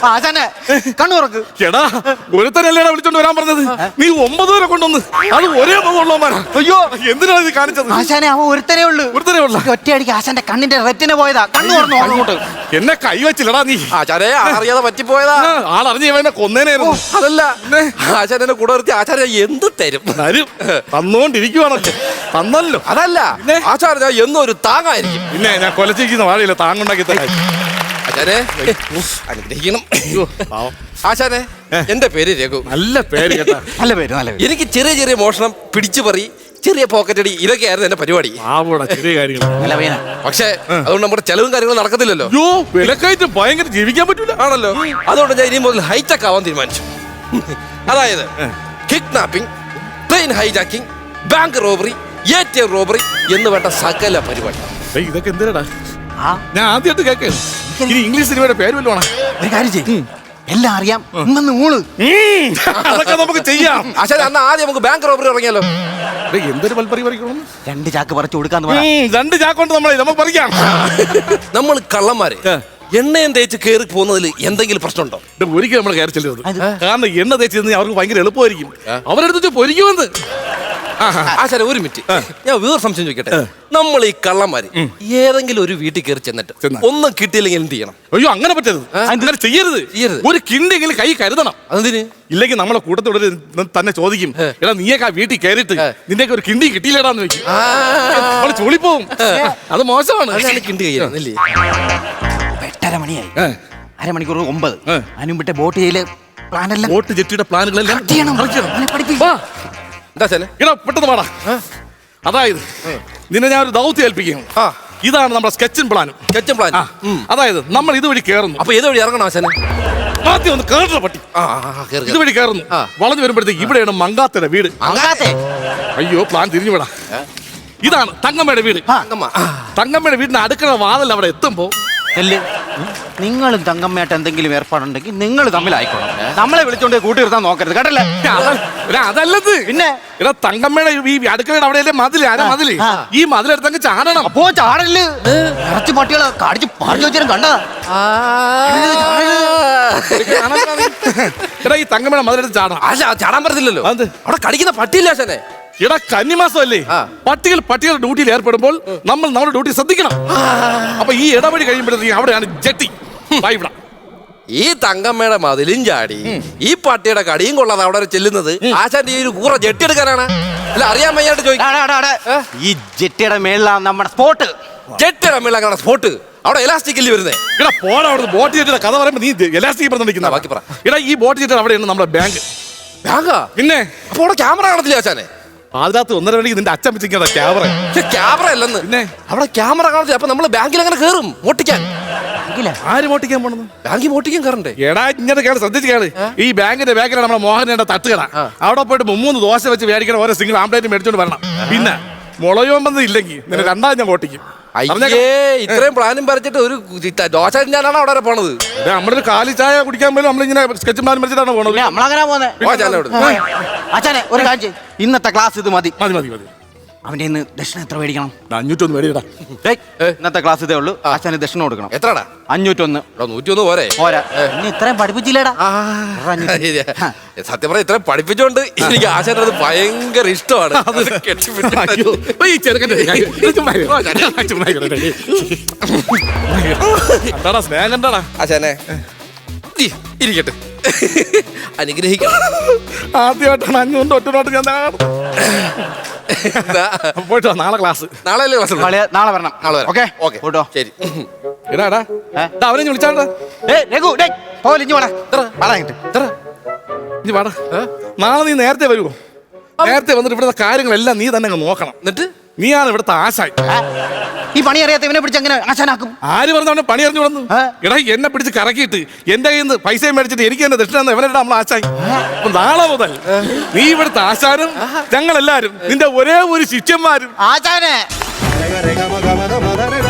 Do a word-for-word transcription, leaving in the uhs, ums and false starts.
ആശാനെ കണ്ണു തുറക്ക്. എടാ ഒരുത്തനല്ലേടാ വിളിച്ചോണ്ട് വരാൻ പറഞ്ഞത്. നീ ഒമ്പത് വരെ കൊണ്ടുവന്ന് അത് ഒരേ മുഖമുള്ളവന്മാരാ. അയ്യോ എന്തിനാ ഇത് കാണിച്ചത്? ആശാനെ അവൻ ഒരുത്തനേ ഉള്ളു. ഒരുത്തനേ ഉള്ള ഒറ്റയടിക്ക് ആശാന്റെ കണ്ണിന്റെ റെറ്റിന് പോയതാ. കണ്ണു തുറന്നു അങ്ങോട്ട്. എന്നെ കൈ വെച്ചില്ലടാ നീ. ആചാരെ അറിയാതെ പറ്റിപ്പോയതാ. ആളറിഞ്ഞ ഇവനെ കൊന്നേനായിരുന്നു. അതല്ല ആചാര്യനെ കൂടെ നിർത്തി ആചാര്യ എന്ത് തരും തരും തന്നോണ്ടിരിക്കുവാണല്ലോ. തന്നല്ലോ. അതല്ല ആചാര്യ എന്നും ഒരു താങ്ങായിരിക്കും. പിന്നെ ഞാൻ കൊലച്ചിരിക്കുന്ന വാഴയില്ല താങ്ങുണ്ടാക്കി തരാം. ആചാരെ അനുഗ്രഹിക്കണം. ആശാനെ എന്റെ പേര് രഘു. നല്ല പേര് കേട്ടാ. നല്ല പേര് നല്ല പേര്. എനിക്ക് ചെറിയ ചെറിയ മോഷണം, പിടിച്ചു പറി, ചെറിയ പോക്കറ്റ് അടി ഇതൊക്കെയായിരുന്നു എന്റെ പരിപാടി. ആവോടാ ചെറിയ കാര്യങ്ങൾ. നല്ല പേന. പക്ഷേ അതുകൊണ്ട് നമ്മുടെ ചെലവും കാര്യങ്ങളും നടക്കത്തില്ലല്ലോ. യോ വിലക്കയറ്റ് ഭയങ്കര ജീവിക്കാൻ പറ്റൂല ആണല്ലോ. അതുകൊണ്ട് ഞാൻ ഇനി മുതൽ ഹൈടെക് ആവാൻ തീരുമാനിച്ചു. അതായത് kidnapping, plane hijacking, bank robbery, A T M robbery എന്ന് വേണ്ട സകല പരിപാടി. ഏയ്, ഇതൊക്കെ എന്തിനാടാ? ആ ഞാൻ ആദ്യമായിട്ട് കേൾക്കാണ്. ഇനി ഇംഗ്ലീഷ് സിനിമയുടെ പേര് വല്ലോണ. ഒരു കാര്യം ചെയ്യും എല്ലാം അറിയാം. ഇന്നു ഊള് അതൊക്കെ നമുക്ക് ചെയ്യാം. ആശാനെ അന്ന് ആദ്യം നമുക്ക് ബാങ്ക് റോബറി ഇറങ്ങിയാലോ? ഏയ്, എന്തൊരു പൽപ്പറി പറിക്കണം. രണ്ട് ചാക്ക് പറിച്ചു കൊടുക്കാന്ന് പറ. രണ്ട് ചാക്കൊണ്ട് നമ്മളെ നമുക്ക് പറിക്കാം. നമ്മൾ കള്ളന്മാര് എണ്ണയും തേച്ച് കയറി പോകുന്നതിൽ എന്തെങ്കിലും പ്രശ്നമുണ്ടോ? ഒരിക്കലും നമ്മൾ കയറി ചെല്ലരുത്. കാരണം എണ്ണ തേച്ച് തിന്നാൽ അവർക്ക് ഭയങ്കര എളുപ്പമായിരിക്കും. അവരെടുത്ത് പൊരിക്കുമെന്ന്. ആശാനെ ഒരു മിനിറ്റ്, ഞാൻ വേറെ സംശയം ചോദിക്കട്ടെ. നമ്മൾ ഈ കള്ളന്മാര് ഏതെങ്കിലും ഒരു വീട്ടിൽ കയറി ചെന്നിട്ട് ഒന്നും കിട്ടിയില്ലെങ്കിൽ എന്ത് ചെയ്യണം? അയ്യോ അങ്ങനെ പറ്റരുത്. അങ്ങനെ ചെയ്യരുത്. ചെയ്യരുത്. ഒരു കിണ്ടെങ്കിലും കൈ കരുതണം. അതിന് ഇല്ലെങ്കിൽ നമ്മളെ കൂട്ടത്തോട് തന്നെ ചോദിക്കും, എടാ നീയൊക്കെ ആ വീട്ടിൽ കയറിയിട്ട് നിന്റെയൊക്കെ ഒരു കിണ്ടി കിട്ടിയില്ലടാന്ന് ചോദിക്കും. നമ്മള് ചുളിപ്പോവും. അത് മോശമാണ്. കിണ്ടി കയ്യിലല്ലേ? എട്ടര മണിയായി. അരമണിക്കൂർ ഒമ്പത്. അനുമ്പിട്ട് ബോട്ട് ചെയ്യല് പ്ലാനെല്ലാം ബോട്ട് ജെട്ടിയുടെ പ്ലാനുകളെല്ലാം എന്താ ചാനെ? ഇടാ പെട്ടെന്ന് പാടാ. അതായത് നിന്നെ ഞാൻ ഒരു ദൗത്യം ഏൽപ്പിക്കുകയാണ്. ഇതാണ് നമ്മുടെ സ്കെച്ചിൻ പ്ലാനും. Sketch plan. അതായത് നമ്മൾ ഇതുവഴി കയറുന്നു. അപ്പൊ ഏത് വഴി ഇറങ്ങണം ആശാനെ? ആദ്യം ഒന്ന് കേറ പട്ടി. ഇതുവഴി കയറുന്നു. വളഞ്ഞു വരുമ്പോഴത്തേക്ക് ഇവിടെയാണ് മങ്കാത്തയുടെ വീട്. അയ്യോ പ്ലാൻ തിരിഞ്ഞു വിടാ. ഇതാണ് തങ്കമ്മയുടെ വീട്. തങ്കമ്മയുടെ വീടിന്റെ അടുക്കള വാതിൽ അവിടെ എത്തുമ്പോ നിങ്ങളും തങ്കമ്മയായിട്ട് എന്തെങ്കിലും ഏർപ്പാടുണ്ടെങ്കിൽ നിങ്ങൾ തമ്മിലായിക്കോണം. നമ്മളെ വിളിച്ചോണ്ട് കൂട്ടി നിർത്താൻ നോക്കരുത് കേട്ടല്ലേ? അതല്ലത്. പിന്നെ എടാ തങ്കമ്മയുടെ ഈ അടുക്കളയുടെ അവിടെയല്ലേ മതില്? ആരാ മതില്? ഈ മതിലെടുത്തങ്ങ് ചാടണം. അപ്പോ ചാടല് ഇറച്ചി പട്ടികളെ കാടിച്ച് പാടി വെച്ചാലും കണ്ടതാ. എടാ ഈ തങ്കമ്മയുടെ മതിലെടുത്ത് ചാടണം. അല്ല ചാടാൻ പറ്റത്തില്ലല്ലോ. അവിടെ കടിക്കുന്ന പട്ടിയില്ല ആശാനെ. എടാ കന്നിമാസമല്ലേ, പട്ടികൾ പട്ടികളുടെ ഡ്യൂട്ടിയിൽ ഏർപ്പെടുമ്പോൾ നമ്മൾ നമ്മുടെ ഡ്യൂട്ടി ശ്രദ്ധിക്കണം. അപ്പൊ ഈ ഇടവഴി കഴിയുമ്പോഴത്തേക്ക് അവിടെയാണ് ജെട്ടി. ഈ തങ്കമ്മയുടെ മതിലും ചാടി ഈ പട്ടിയുടെ കടിയും കൊള്ളാതെ അവിടെ ചെല്ലുന്നത് ആശാന്റെ ഈ ഒരു കൂറ ജെട്ടി എടുക്കാനാണ്. അല്ല അറിയാൻ വയ്യാണ്ട് ചോദിക്കും. ഈ ജെട്ടിയുടെ മേളിലാണ് നമ്മുടെ സ്പോട്ട്. ജെട്ടിയുടെ മേളിലാണ് സ്പോട്ട്. അവിടെ എലാസ്റ്റിക് അല്ലേ വരുന്നേ? എടാ പോടാ അവിടെ. ബോട്ട് ജെട്ടിയുടെ കഥ പറയുമ്പോ നീ എലാസ്റ്റിക് പറഞ്ഞിരിക്കുന്ന ബാക്കി പറ. എടാ ഈ ബോട്ട് ജെട്ടി അവിടെയാണ് നമ്മുടെ ബാങ്ക്. ബാങ്കാ? പിന്നെ അപ്പൊ അവിടെ ക്യാമറ കാണത്തില്ല ആശാനെ? അതിനകത്ത് ഒന്നര മണിക്ക് നിന്റെ അച്ഛൻ വെച്ചിരിക്കുന്ന ക്യാമറ. ക്യാമറ അല്ലെന്ന്. പിന്നെ അവിടെ ക്യാമറ കാണത്തില്ല. അപ്പൊ നമ്മള് ബാങ്കിൽ അങ്ങനെ കയറും മോട്ടിക്കാൻ. ആര് മോട്ടിക്കാൻ പോണെന്ന്? ബാങ്കിൽ മോട്ടിക്കാൻ കയറണ്ടേ? എടാ ഇങ്ങനെ കേള്, ശ്രദ്ധിച്ച് കേള്. ഈ ബാങ്കിന്റെ ബാക്കിലാണ് നമ്മുടെ മോഹനന്റെ തട്ടുകട. അവിടെ പോയിട്ട് മുമ്മൂന്ന് ദോശ വെച്ച് മേടിക്കണം. ഓരോ സിംഗിൾ ആംപ്ലേറ്റ് മേടിച്ചോണ്ട് വരണം. പിന്നെ മുളയോമ്പൊന്നും ഇല്ലെങ്കിൽ നിന്നെ രണ്ടാം ഞാൻ ഓട്ടിക്കും. അയ്യേ ഇത്രയും പ്ലാനും വരച്ചിട്ട് ഒരു ദോശ ഞാനാണ് അവിടെ വരെ പോണത്. നമ്മളൊരു കാലി ചായ കുടിക്കാൻ പോലും നമ്മളിങ്ങനെ സ്കെച്ച് പ്ലാൻ വരച്ചിട്ടാണ് പോണത്. നമ്മളങ്ങനെ പോന്നെ. അച്ഛനെ ഒരു കാര്യം, ഇന്നത്തെ ക്ലാസ് ഇത് മതി. മതി മതി മതി. അവന്റെ ഇന്ന് ദക്ഷിണ എത്ര മേടിക്കണം? അഞ്ഞൂറ്റൊന്ന് മേടിക്കടാ. ഇന്നത്തെ ക്ലാസ് ഇതേ ഉള്ളൂ. അച്ഛന് ദക്ഷിണ കൊടുക്കണം. എത്രടാ? അഞ്ഞൂറ്റൊന്ന്. നൂറ്റിയൊന്ന് പോരെ? പോരാ. ഇനി ഇത്രയും പഠിപ്പിച്ചില്ലേടാ? സത്യം പറഞ്ഞ ഇത്രയും പഠിപ്പിച്ചോണ്ട് എനിക്ക് ആശാന്റെ അത് ഭയങ്കര ഇഷ്ടമാണ്. സ്നേഹം കണ്ടാടാ ആശാനെ. ഇരിക്കട്ടെ, അനുഗ്രഹിക്കണം. ആദ്യമായിട്ടാണ് അഞ്ഞൂറിന്റെ ഒറ്റ നോട്ട് ഞാൻ പോയിട്ടോ. നാളെ ക്ലാസ്. നാളെ അല്ലേ ക്ലാസ്? നാളെ വരണം. നാളെ വരാം. ഓക്കെ ഓക്കെ പോട്ടോ. ശരി. എടാടാ അവനെ വിളിച്ചാടാ. ഇനി വാടാ. നാളെ നീ നേരത്തെ വരുമോ? നേരത്തെ വന്നിട്ട് ഇവിടുത്തെ കാര്യങ്ങളെല്ലാം നീ തന്നെ നോക്കണം. എന്നിട്ട് നീയാണ് ഇവിടുത്തെ ആശാൻ. ഈ പണി അറിയാത്ത ഇവനെ പിടിച്ച് എങ്ങനെ ആശാനാക്കും? ആര് പറഞ്ഞ പണി അറിഞ്ഞു വന്നു? എടാ എന്നെ പിടിച്ച് കറക്കിയിട്ട് എന്റെ കയ്യിൽ നിന്ന് പൈസയും മേടിച്ചിട്ട് എനിക്ക് തന്നെ ദക്ഷിണ ഇവനെ നമ്മൾ ആശാൻ. അപ്പൊ നാളെ മുതൽ നീ ഇവിടുത്തെ ആശാനും ഞങ്ങളെല്ലാരും നിന്റെ ഒരേ ഒരു ശിഷ്യന്മാരും. ആശാനെ